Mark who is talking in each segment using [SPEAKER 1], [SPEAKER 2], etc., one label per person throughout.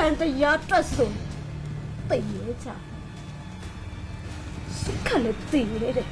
[SPEAKER 1] မှန်တရားအတွက်ဆိုသိရဲကြစုခလည်းသိရဲတယ်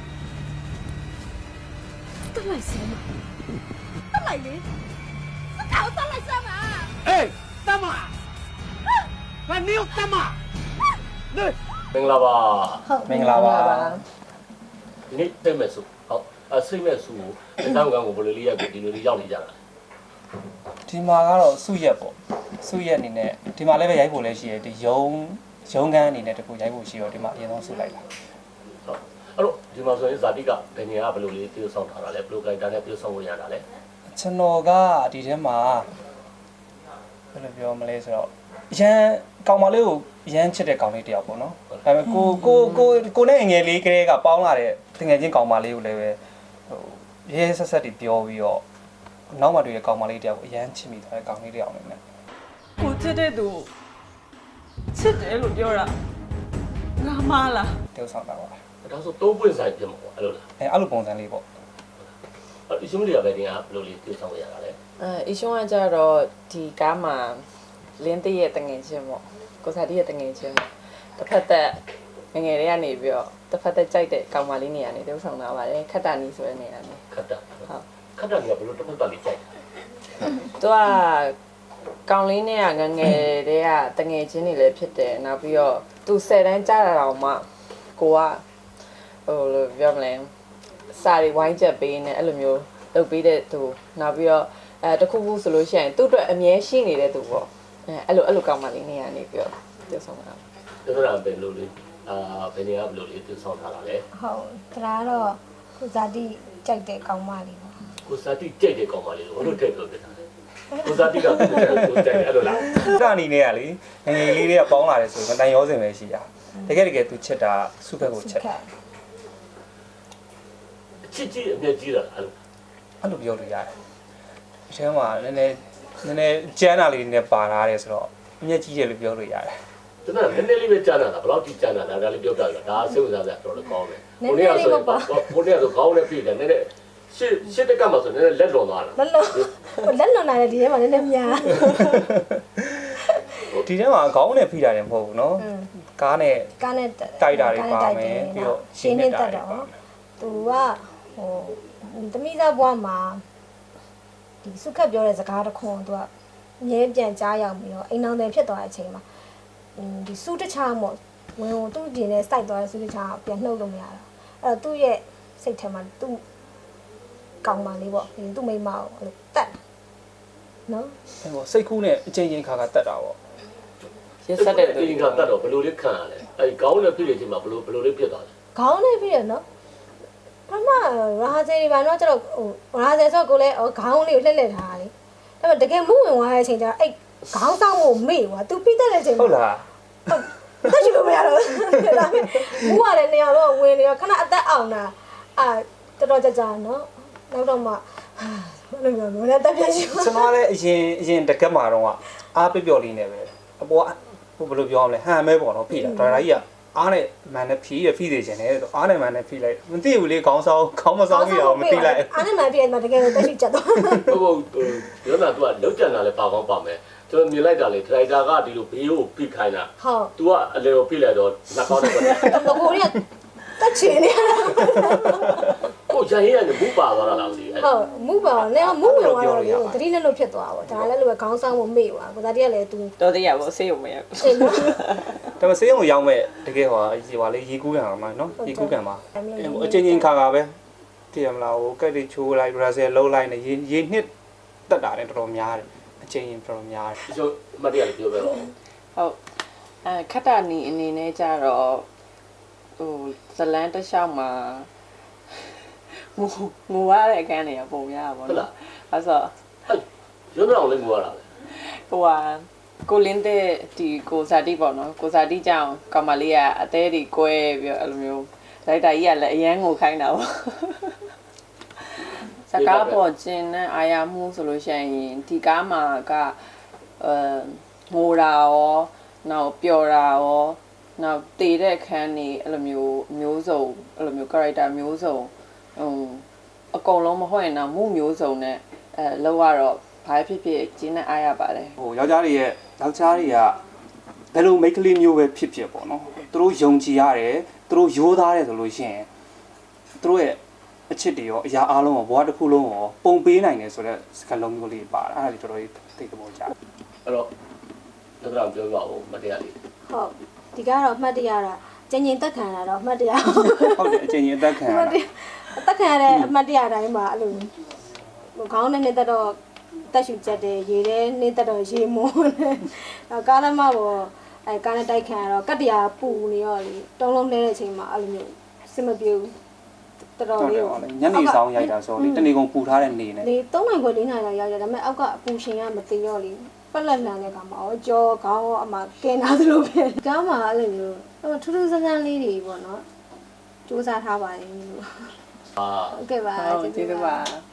[SPEAKER 1] တက်လိုက်စမ်းပါတက်လိုက်လေစကောက်တက်လိုက်စမ်းပါ
[SPEAKER 2] အေးတမဘာနေတမနေမင်္ဂလာပါ
[SPEAKER 3] မင်္ဂလာပါ
[SPEAKER 2] ဒီနေ့တိတ်မဲ့စုဟုတ်ဆိတ်မဲ့စုကိုတောင်းကံကိုဘယ်လိုလေးရက်ကိုဒီလိုလေးရောက်နေကြတာလဲ
[SPEAKER 3] ဒီမှာကတော့စုရက်ပေါ့စုရက်အနေနဲ့ဒီမှာလည်းပဲရိုက်ဖို့လည်းရှိတယ်ဒီရုံကန်းအနေနဲ့တခုရိုက်ဖို့ရှိတော့ဒီမှာအရင်ဆုံးစုလိုက်တာ
[SPEAKER 2] ဟုတ်အဲ့တော့ဒီမှာဆိုရင်ဇာတိကဘယ်နေရာဘယ်လိုလေးပြုဆောင်ထားတာလဲဘယ်လိုကိုင်တာနဲ့ပြုဆောင်လို့ရတာလဲ
[SPEAKER 3] ကျွန်တော်ကဒီထဲမှာဘယ်လိုပြောမလဲဆိုတော့ရန်ကောင်မလေးကိုရန်ချစ်တဲ့ကောင်လေးတယောက်ပေါ့နော်ဒါပေမဲ့ကိုနဲ့ငယ်လေးကလေးကပေါင်းလာတဲ့တငယ်ချင်းကောင်မလေးကိုလည်းပဲဟိုရဲဆက်ဆက်တီပြောပြီးတော့နောက်မှတွေ့တဲ့ကောင်မလေးတယောက်ကိုအရန်ချစ်မိသွားတဲ့ကောင်လေးတယောက်နဲ့
[SPEAKER 4] ကိုချစ်တဲ့သူချစ်တယ်လို့ပြောတာငါမလား
[SPEAKER 3] တောက်ဆောင်တာပါ
[SPEAKER 2] ဒါဆိုသုံးပွင့်ဆိုင်ပြင်မှာပေါ့အဲ့လိုလား
[SPEAKER 3] အဲ့လိုပုံစံလေးပေါ့
[SPEAKER 2] အဲ့ဒီရှင်းမလေးကဘယ်နေရာဘယ်လိုလေးပြုဆောင်ရတာလဲ
[SPEAKER 4] အရှုံးကကြတော့ဒီကားမှာလင်းတည့်ရဲ့တငယ်ချင်းပေါ့ကိုစားတည့်ရဲ့တငယ်ချင်းပေါ့တစ်ဖက်သက်ငယ်လေးကနေပြီးတော့တစ်ဖက်သက်ကြိုက်တဲ့ကောင်မလေးနေရာနေတုံးဆောင်လာပါတယ်ခက်တာနီဆိုတဲ့နေရာနေ
[SPEAKER 2] ခတ်တာ
[SPEAKER 4] ဟုတ်
[SPEAKER 2] ခတ်တာကဘယ်လိုတစ်ခုတည်းလေးကြိုက်
[SPEAKER 4] သူကကောင်လေးနဲ့ကငယ်တဲ့ကတငယ်ချင်းတွေလည်းဖြစ်တယ်နောက်ပြီးတော့သူ10တန်းကြာတာတော့မှကိုကဟိုလိုပြောမလဲစာရီဝိုင်းချက်ပေးနေအဲ့လိုမျိုးလုပ်ပေးတဲ့သူနောက်ပြီးတော့တခုခုဆိုလို့ရှိရင်သူ့အတွက်အမြဲရှိနေတဲ့သူပေါ့အဲ့လိုကောင်းမှလေးနေရနေပြီးတော့ပြောဆောင်တာ
[SPEAKER 2] ဒါကဘယ်လိုလေးဘယ်နေရာဘယ်လိုလေးပြုဆောင်ထားတာလဲ
[SPEAKER 1] ဟုတ်ဒါကတော့ကိုဇာတိကြိုက်တဲ့ကောင်းမလေးပေါ့
[SPEAKER 2] ကိုဇာတိကြိတ်တဲ့ကောင်မလေးကိုဘယ်လိုထည့်ပြောပြတာလဲကိုဇာတိကကိုကြိုက်အဲ့လိုလား
[SPEAKER 3] ဒါအနေနဲ့ကလေငယ်လေးတွေကပေါင်းလာတယ်ဆိုရင်တန်ရောစင်ပဲရှိတာတကယ်သူချစ်တာစုဘက်ကိုချစ်
[SPEAKER 2] ချစ်ကြီးအမြဲကြီးတာအဲ့လို
[SPEAKER 3] အဲ့လိုပြောလို့ရတယ်ဒီထဲမှာနည်းနည်းကျန်းတာလေးနဲ့ပါလာတယ်ဆိုတော့အမျက်ကြီးတယ်လို့ပြောလို့ရတယ်
[SPEAKER 2] ဒါနဲ့နည်းနည်းလေးပဲကြားနာတာဘယ်လောက်ကြီးကြားနာတာဒါလေးပြောပြတာဒါစိတ်ဝင်စားစရာတော်တော်ကောင်းတယ်ကိုနေရဆိုခေါင်းနဲ့ပြည့်တယ်နည်းနည်းရှစ်တက်ကမှဆိုနည်းနည်းလက်လွန်သွားတာ
[SPEAKER 1] လက်လွန်လာတဲ့ဒီထဲမှာနည်းနည်းများ
[SPEAKER 3] ဒီထဲမှာခေါင်းနဲ့ဖိတာတယ်မဟုတ်ဘူးเนาะကားနဲ့ တိုက်တာတွေပါမယ်ပြီးတော့ရှင်းနေတာတွေပါမယ်
[SPEAKER 1] သူကဟိုသမီးသားဘွားမှာဒီစုခက်ပြောတဲ့စကားတစ်ခွန်းသူကအမြဲပြန်ကြားရောက်ပြီးတော့အိမ်အောင်တယ်ဖြစ်သွားတဲ့အချိန်မှာဒီစုတချားမို့ဝင်ကိုသူ့ပြင်နဲ့စိုက်သွားတဲ့စုတချားပြန်နှုတ်လို့မရတော့အဲ့တော့သူ့ရဲ့စိတ်ထဲမှာသူ့ကောင်းပါလေးပေါ့သူ့မိမကိုအဲ့လိုတတ်နော်
[SPEAKER 3] အဲ့ပေါ့စိတ်ကူးနဲ့အချိန်ချင်းခါခါတက်တာပေါ့
[SPEAKER 4] ရဆက်တဲ့သူ
[SPEAKER 2] အင်္ဂါတတ်တော့ဘယ်လိုလေးခံရလဲအဲ့ခေါင်းနဲ့ပြည့်တဲ့ချိန်မှာဘယ်လိုလေးပြတ်သွားလဲ
[SPEAKER 1] ခေါင်းနဲ့ပြီးရနော်ဘာမှရာဇယ်တွေပါတော့ကျတော့ဟိုရာဇယ်ဆိုကိုလည်းခေါင်းလေးကိုလှည့်လှည့်ထားတာလေအဲ့တော့တကယ်မှုဝင်သွားတဲ့အချိန်ကျတော့အဲ့ခေါင်းဆောင်ကိုမေ့သွားသူပြီးတဲ့အချိန်
[SPEAKER 3] ဟုတ်လား
[SPEAKER 1] တက်ချင်လို့မရတော့ဒါပေမဲ့ဘူးကလည်းနေရာတော့ဝင်နေတော့ခဏအသက်အောင်တာတော်တော်ကြာနော်နောက်တော့မှဘယ်လိုပြောလဲတက်ပြရှိ
[SPEAKER 3] ကျွန်တော်လည်းအရင်တကက်မှာတော့အားပျော့လေးနဲ့ပဲအပေါ်ဟိုဘယ်လိုပြောရမလဲဟန်မဲပေါ့နော်ဖိတာဒါရာကြီးကအားနဲ့မန်နဲ့ဖိစေချင်တယ်ဆိုအားနဲ့မန်နဲ့ဖိလိုက်မသိဘူးလေခေါင်းမဆောင်ပြီးတော့မသိလိုက်
[SPEAKER 1] အားနဲ့မှပြည့်မှာတကယ်တော့တက်ရှိချက်တော့
[SPEAKER 2] ဟုတ်ရောနာ तू ကလောက်ကြံတာလဲပါကောင်းပါမယ်ကျွန်တော်မြင်လိုက်တာလေဒရိုက်တာကဒီလိုဘေးကိုဖိခိုင်းတာ
[SPEAKER 1] ဟုတ်
[SPEAKER 2] तू ကအလေကိုဖိလိုက်တော့လက်ကောင်းတယ်ပေါ့
[SPEAKER 1] ကိုရီးယားတက်ချင်နေ
[SPEAKER 2] ကိုရရင်ကနေမူပါသွားတာလားမသိဘူး
[SPEAKER 1] ဟုတ်မူပါနဲ့မူဝင်သွားတော့လေသတိနဲ့လို့ဖြစ်သွားပါဒါလည်းလိုပဲခေါင်းဆောင်မှုမေ့သွားကိုသားတည်းကလည်း तू
[SPEAKER 4] တော်သေးရပါဆေးရုံမရဘူး
[SPEAKER 1] အေးနော်
[SPEAKER 3] ဒါပေမဲ့စေးရုံရောက်မဲ့တကယ်ဟိုလေရေကူးကန်အောင်မှာနော်ရေကူးကန်မှာအချင်းချင်းခါခါပဲတည်ရမလားဟိုကက်တွေချိုးလိုက်ဘရာဇယ်လုံးလိုက်နေရေနှစ်တက်တာလည်းတော်တော်များတယ်အချင်းချင်းတော်တော်များတယ်
[SPEAKER 2] ဒီလိုမတ်ရလေးပြောပြတော့
[SPEAKER 4] ဟုတ်ခက်တာနီအနေနဲ့ကြတော့ဟိုဇလန်တစ်လျှောက်မှာငိုရတဲ့အခန်းတွေကပုံရပါဘောနော်အဲ့ဆို
[SPEAKER 2] ရုံးတော်လေးငိုရတာလေ
[SPEAKER 4] ဟိုဟာကိုလင်းတဲ့ဒီကိုဇာတိပေါ့နော်ကိုဇာတိကြောင့်ကောင်မလေးကအသေးတွေကွဲပြီးအဲ့လိုမျိုးဒါရိုက်တာကြီးကလည်းအရန်ငိုခိုင်းတာပေါ့စကားပေါ်ကျင်နဲ့အာရမှုဆိုလို့ရှိရင်ဒီကားမှာကငိုတာရောနောက်ပျော်တာရောနောက်တည်တဲ့အခန်းနေအဲ့လိုမျိုးစုံအဲ့လိုမျိုး character မျိုးစုံအကုန်လုံးမဟုတ်ရင်တော့မှုမျိုးစုံနဲ့လောက်ရတော့ဘာဖြစ်ဖြစ်ကျင်းနဲ့အားရပါတယ်
[SPEAKER 3] ဟိုယောက်ျားတွေကဘယ်လိုမိတ်ကလေးမျိုးပဲဖြစ်ဖြစ်ပေါ့နော်သူတို့ယုံကြည်ရတယ်သူတို့ရိုးသားတယ်ဆိုလို့ရှိရင်သူတို့ရဲ့အချစ်တွေရောအရာအားလုံးရောဘဝတစ်ခုလုံးရောပုံပေးနိုင်တယ်ဆိုတော့စကားလုံးမျိုးလေးပါအဲ့ဒါလေးတော်တော်ကြီးသိတဲ့ပေါ်ကြ
[SPEAKER 2] အဲ့တော့ဒေါက်တာပြောပြပါဦးမတရားလေး
[SPEAKER 1] ဟုတ်ဒီကတော့အမှတ်တရတာကျင်ကျင်တက်ခံရတော့အမှတ်တရ
[SPEAKER 3] ဟုတ်တယ်အချိန်ကြီးအသက်ခံရတာ
[SPEAKER 1] အသက်ခံရတဲ့အမှတ်တရတိုင်းမှာအဲ့လိုခေါင်းနဲ့နေတော့တက်ရှူချက်တယ်ရေထဲနေတော့ရေမွန်းတယ်နောက်ကားလမ်းမပေါ်အဲကားနဲ့တိုက်ခံရတော့ကတ္တရာပူနေရောလေတုံးလုံးနေတဲ့အချိန်မှာအဲ့လိုမျိုးစင်မပြေဘူးတော်တော်လေး
[SPEAKER 3] ညနေဆောင်ရိုက်တာဆိုလေတနေ့ကုန်ပူထားတဲ့နေနဲ့
[SPEAKER 1] ဒီ3နိုင်ခွဲ4နိုင်လောက်ရောက်တယ်ဒါပေမဲ့အောက်ကအပူရှင်ကမသိရောလေပက်လက်လန်တဲ့ခါမှာအော်ကြောခေါင်းအမကဲနာသလိုပဲကားမှာအဲ့လိုမျိုးထူးထူးဆန်းဆန်းလေးတွေပေါ့နော်စူးစမ်းထားပါတယ်လို့
[SPEAKER 2] အာ
[SPEAKER 1] ဟုတ်ကဲ့ပါ
[SPEAKER 4] ဟုတ်ကျေးဇူးပါ